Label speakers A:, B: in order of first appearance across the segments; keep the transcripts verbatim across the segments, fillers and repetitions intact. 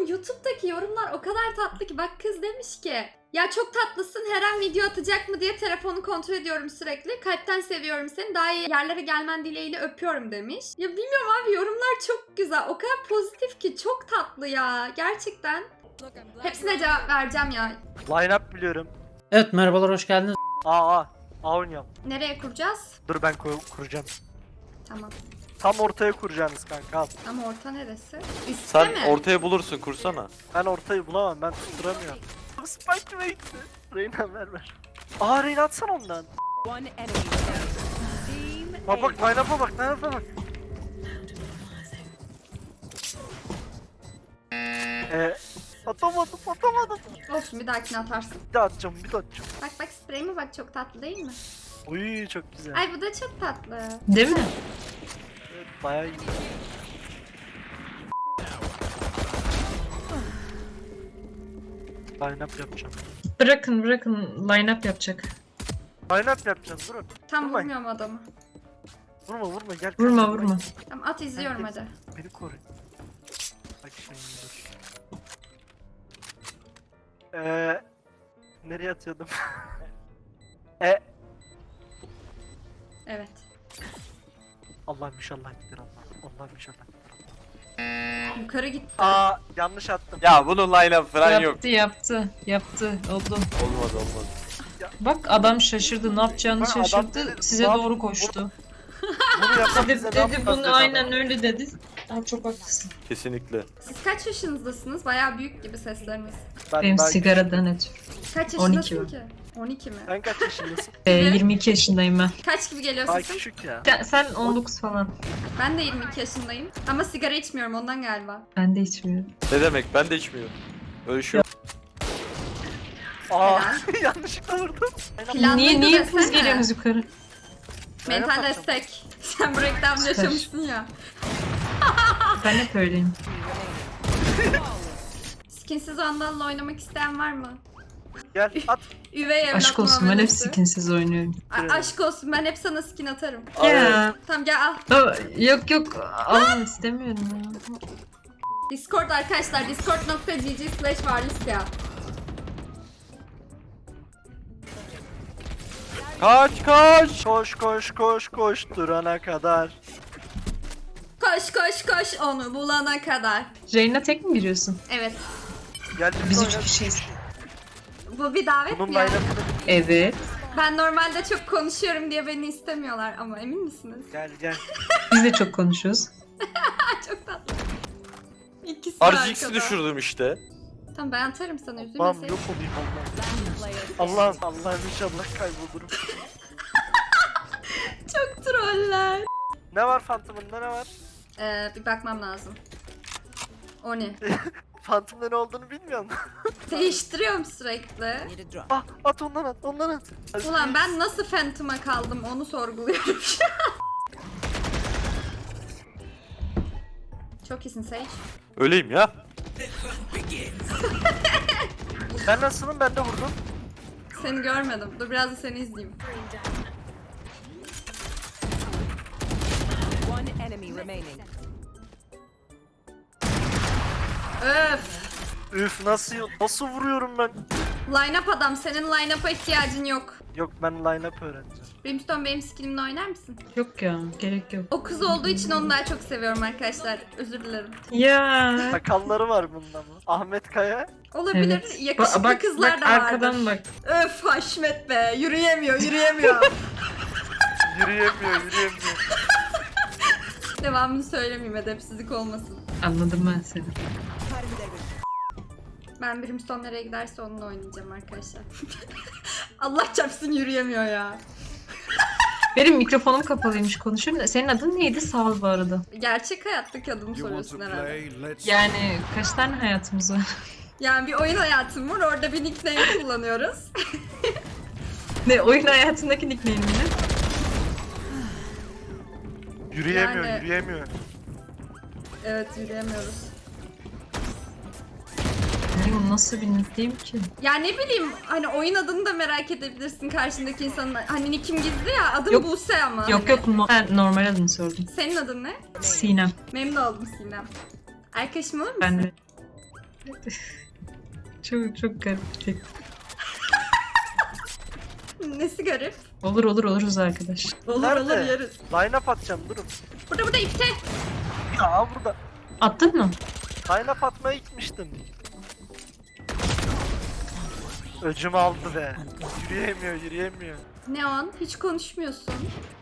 A: Oğlum YouTube'daki yorumlar o kadar tatlı ki. Bak kız demiş ki ya çok tatlısın, her an video atacak mı diye telefonu kontrol ediyorum sürekli. Kalpten seviyorum seni, daha iyi yerlere gelmen dileğiyle öpüyorum demiş. Ya bilmiyorum abi, yorumlar çok güzel. O kadar pozitif ki, çok tatlı ya. Gerçekten. Hepsine cevap vereceğim ya.
B: Line up biliyorum.
C: Evet, merhabalar, hoş geldiniz.
B: Aa aa. A oynayalım.
A: Nereye kuracağız?
B: Dur ben kur kuracağım.
A: Tamam.
B: Tam ortaya kuracaksınız kanka al.
A: Ama orta neresi? Üstte
D: Sen
A: mi?
D: ortaya bulursun, kursana.
B: Ben ortayı bulamam, ben tutturamıyorum. Spike mi gitti? Reyna ver ver. Aa Reyna atsana ondan. Bak bak line up'a bak, line up'a bak. Eee atamadım atamadım.
A: Olsun, bir dahakine atarsın.
B: Bir daha atacağım bir daha atacağım.
A: Bak bak, spreyime bak, çok tatlı değil mi?
B: Uy çok güzel.
A: Ay bu da çok tatlı.
C: Değil mi?
B: Evet, bayağı iyi. Line up yapacağım.
E: Bırakın bırakın line-up yapacak.
B: Line up yapacağım durun.
A: Tam
B: Vurmayın.
A: vurmuyorum adamı.
B: Vurma vurma gel.
E: Vurma
B: kaçma,
E: vurma.
A: Tamam, at, izliyorum hadi.
B: Beni koru. Bak şimdi dur. Eee nereye atıyordum? e
A: Evet.
B: Allah'ım inşallah gider Allah. Allah'ım inşallah gider Allah.
A: Yukarı gitti.
B: Aa yanlış attım.
D: Ya bunun line-up falan yok.
E: Yaptı yaptı yaptı oldu.
D: Olmaz olmaz.
E: Bak adam şaşırdı, ne yapacağını
B: Ha, adam
E: şaşırdı,
B: dedi,
E: size
B: "Lan,
E: doğru koştu.
B: Bunu yapan
E: Dedi,
B: bize ne
E: dedi
B: yapacağız
E: bunu
B: dedi adam.
E: aynen öyle dedi. Aa, çok haklısın.
D: Kesinlikle.
A: Siz kaç yaşınızdasınız? Bayağı büyük gibi sesleriniz.
B: Ben,
E: Benim
B: ben-
E: sigaradan ötürü.
A: Kaç
E: on iki
A: yaşındasın
E: mi?
A: ki? on iki mi?
B: Sen kaç yaşındasın?
E: Ee, yirmi iki yaşındayım ben.
A: Kaç gibi geliyor
B: Ay
A: sesin?
B: küçük ya.
E: Sen, sen on dokuz falan.
A: Ben de yirmi iki yaşındayım. Ama sigara içmiyorum ondan galiba.
E: Ben de içmiyorum.
D: Ne demek? Ben de içmiyorum. Öyle şey yok.
B: Aa yanlışlıkla vurdum.
A: Planlıydı
E: niye niye
A: desene.
E: hepimiz geliyorsunuz yukarı?
A: Mental
B: Aynen.
A: destek. Sen bu reklamda yaşamışsın ya.
E: Ben hep öyleyim.
A: Skinsiz Vandal'la oynamak isteyen var mı?
B: Gel at.
A: Üvey evlat
E: Aşk olsun, ben hep
A: muamelesi.
E: skinsiz oynuyorum.
A: A- aşk olsun, ben hep sana skin atarım.
E: Ya.
A: Tamam gel al.
E: Aa, yok yok almak istemiyorum ya.
A: Discord arkadaşlar, discord nokta gg slash varlisya.
D: Kaç kaç.
B: Koş koş koş koş durana kadar.
A: Koş koş koş onu bulana kadar.
E: Reyna tek mi giriyorsun?
A: Evet.
B: Gel
E: Biz
B: oyna.
E: üç kişiyiz.
A: Bu bir davet
B: Bunun
A: mi ya?
B: line-up'ını
E: Evet.
A: Ben normalde çok konuşuyorum diye beni istemiyorlar ama emin misiniz?
B: gel gel.
E: Biz de çok konuşuyoruz.
A: Çok tatlı. İkisi
D: R
A: de
D: G X'i
A: arkada.
D: düşürdüm işte.
A: Tamam ben atarım sana,
B: Allah'ım
A: üzülmeseydin.
B: yok olayım Allah'ım. Allah'ım Allah'ım inşallah kaybolurum.
A: Çok troller.
B: Ne var Phantom'ında ne var?
A: Ee, bir bakmam lazım. O ne?
B: Phantom'da ne olduğunu bilmiyor musun?
A: Değiştiriyorum sürekli.
B: Ah at ondan at ondan at.
A: Ulan ben nasıl Phantom'a kaldım onu sorguluyorum şu an. Çok iyisin Sage.
D: Öyleyim ya.
B: Ben nasılım ben de vurdum.
A: Seni görmedim. Dur biraz da seni izleyeyim.
F: One enemy remaining.
A: Öf.
B: Üf nasıl nasıl vuruyorum ben?
A: Line up adam, senin line up'a ihtiyacın yok.
B: Yok ben line up öğreneceğim.
A: Brimstone benim skillimle oynar mısın?
E: Yok ya, gerek yok.
A: O kız olduğu için onu daha çok seviyorum arkadaşlar. Özür dilerim.
E: Ya.
B: Sakalları var bunun ama. Ahmet Kaya.
A: Olabilir.
E: Evet.
A: Yakışıklı
E: Ba- bak,
A: kızlar
E: bak,
A: da vardır.
E: arkadan bak.
A: Öf Haşmet be. Yürüyemiyor, yürüyemiyor.
B: Yürüyemiyor yürüyemiyor.
A: Devamını söylemeyeyim, edepsizlik olmasın.
E: Anladım ben seni.
A: Ben Brimstone nereye giderse onunla oynayacağım arkadaşlar. Allah çarpsın yürüyemiyor ya.
E: Benim mikrofonum kapalıymış, konuşuyorum da. Senin adın neydi Sağ bu arada?
A: Gerçek hayattaki adımı soruyorsun herhalde.
E: Yani kaç tane hayatımız var?
A: Yani bir oyun hayatım var, orada bir nickname kullanıyoruz.
E: Ne, oyun hayatındaki nickname'ini?
B: Yürüyemiyor
A: Yani-
B: yürüyemiyor.
A: Evet, yürüyemiyoruz.
E: Bu nasıl bir nickname ki?
A: Ya ne bileyim, hani oyun adını da merak edebilirsin karşındaki insanın. Hani nickim gizli ya, adım
E: Yok.
A: Buse ama.
E: Yok
A: hani.
E: yok, no- ben normal adını sordum.
A: Senin adın ne?
E: Sinem.
A: Memnun oldum Sinem. Arkadaşım olur musun?
E: Ben de. Çok çok garip bir tek.
A: Nesi garip?
E: Olur olur oluruz arkadaş.
A: Olur
B: Nerede?
A: olur yeriz.
B: Line up atacağım durun.
A: Burada burada ipte.
B: Ya burada.
E: Attın mı?
B: Line up atmaya gitmiştim. Öcümü aldı be. Yürüyemiyor yürüyemiyor.
A: Neon hiç konuşmuyorsun.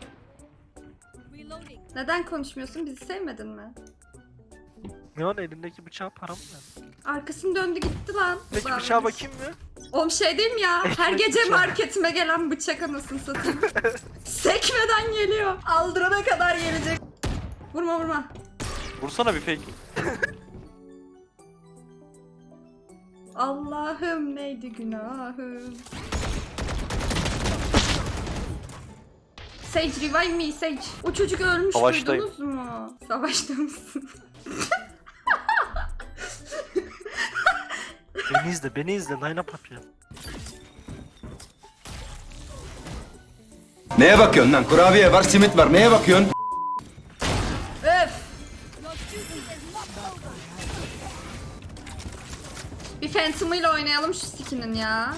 A: Neden konuşmuyorsun? Bizi sevmedin mi?
B: Neon elindeki bıçağı param mı?
A: Arkasını döndü gitti lan.
B: Peki
A: Ulan.
B: bıçağa bakayım mı?
A: Oğlum şey diyeyim ya. Her
B: Ekmek
A: gece
B: bıçağı.
A: marketime gelen bıçak anasını satayım. Sekmeden geliyor. Aldırana kadar gelecek. Vurma vurma.
D: Vursana bir fake.
A: Allah'ım neydi günahım. Sage revive me Sage. O çocuk ölmüş
D: Savaştayım.
A: duydunuz mu? Savaşta mısın?
B: Beni izle beni izle line up yapacağım.
F: Neye bakıyorsun lan? Kurabiye var, simit var. Neye bakıyorsun?
A: Öf. Bir Phantom ile oynayalım şu skinin ya.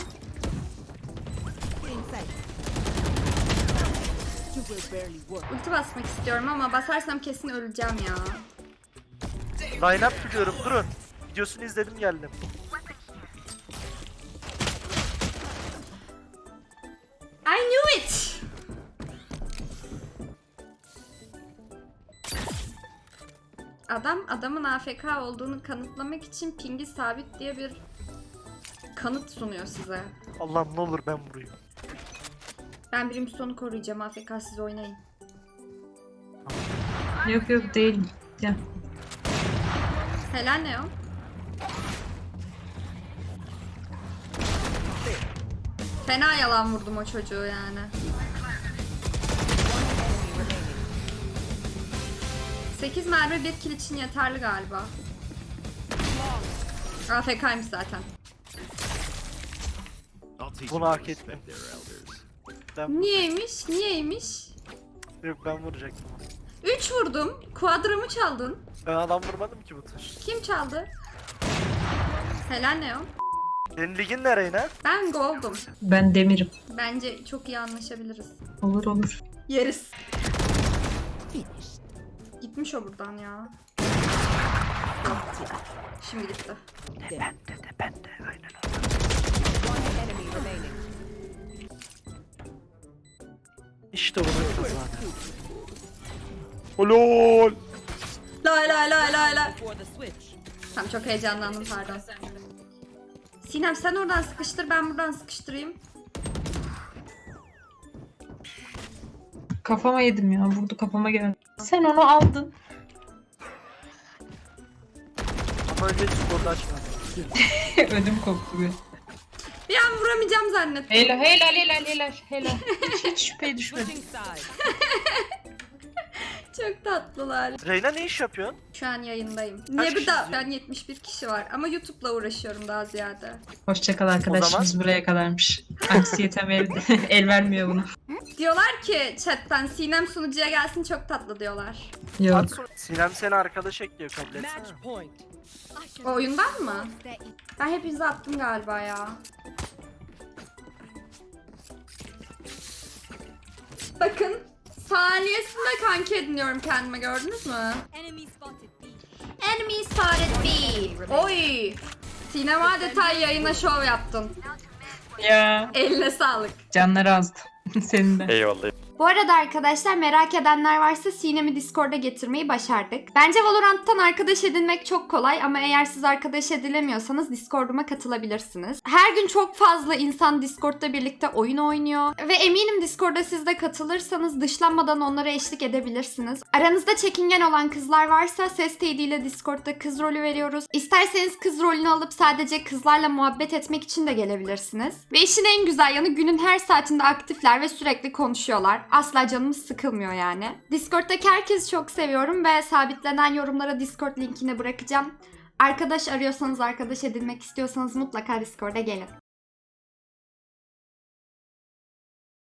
A: Ulti basmak istiyorum ama basarsam kesin öleceğim ya.
B: Line up biliyorum durun. Videosunu izledim geldim.
A: I knew it. Adam adamın A F K olduğunu kanıtlamak için pingi sabit diye bir kanıt sunuyor size.
B: Allah'ım ne olur ben vurayım.
A: Ben birim sonu koruyacağım, A F K siz oynayın.
E: Yok yok değilim. Ya.
A: Helal ne o? Fena yalan vurdum o çocuğu yani. sekiz mermi bir kill için yeterli galiba. A F K'ymış zaten.
B: Bunu hak etmem. Ben,
A: Niyeymiş? Niyeymiş?
B: yok ben vuracaktım.
A: üç vurdum. Quadramı çaldın.
B: Ben adam vurmadım ki bu tur.
A: Kim çaldı? Helal ne o?
B: Senin ligin ne Reyna?
A: Ben gold'um.
E: Ben demirim.
A: Bence çok iyi anlaşabiliriz.
E: Olur olur.
A: Yeriz. Gitmiş o buradan ya. Şimdi gitti.
B: Ben de de ben de aynen. İşte bunu yapacağız zaten.
D: Olol.
A: Lay lay lay lay lay. Tamam çok heyecanlandım pardon. Sinem sen oradan sıkıştır ben buradan sıkıştırayım.
E: Kafama yedim ya. Vurdu kafama geldi. Sen onu aldın.
B: Ama önce skorda açmadım.
E: Ödüm koptu bir.
A: Bir an vuramayacağım zannettim.
E: Helal helal helal helal helal. Hiç, hiç şüpheye düşmedim.
A: Çok tatlılar.
B: Reyna ne iş yapıyorsun?
A: Şu an yayındayım. Niye bir
B: kişi
A: daha?
B: izliyor?
A: Ben yetmiş bir kişi var ama YouTube'la uğraşıyorum daha ziyade.
E: Hoşçakal arkadaşımız buraya kadarmış. Anksiyetem el, el vermiyor buna.
A: Diyorlar ki chatten Sinem sunucuya gelsin çok tatlı diyorlar.
E: Yok.
B: At sonra- Sinem seni arkadaş ekliyor kabul etsene.
A: O oyundan mı? Ben hepinize attım galiba ya. Bakın saniyesinde kanki ediniyorum kendime gördünüz mü?
G: Enemy spotted B.
A: Enemy spotted B. Oy. Sinem adeta yayına şov yaptın.
E: Ya.
A: Eline sağlık.
E: Canları azdı. Senin de.
D: Eyvallah.
A: Bu arada arkadaşlar merak edenler varsa Sinem'i Discord'a getirmeyi başardık. Bence Valorant'tan arkadaş edinmek çok kolay ama eğer siz arkadaş edilemiyorsanız Discord'uma katılabilirsiniz. Her gün çok fazla insan Discord'da birlikte oyun oynuyor ve eminim Discord'a siz de katılırsanız dışlanmadan onlara eşlik edebilirsiniz. Aranızda çekingen olan kızlar varsa ses teydiyle Discord'da kız rolü veriyoruz. İsterseniz kız rolünü alıp sadece kızlarla muhabbet etmek için de gelebilirsiniz. Ve işin en güzel yanı günün her saatinde aktifler ve sürekli konuşuyorlar. Asla canımız sıkılmıyor yani. Discord'daki herkesi çok seviyorum ve sabitlenen yorumlara Discord linkini bırakacağım. Arkadaş arıyorsanız, arkadaş edinmek istiyorsanız mutlaka Discord'a gelin.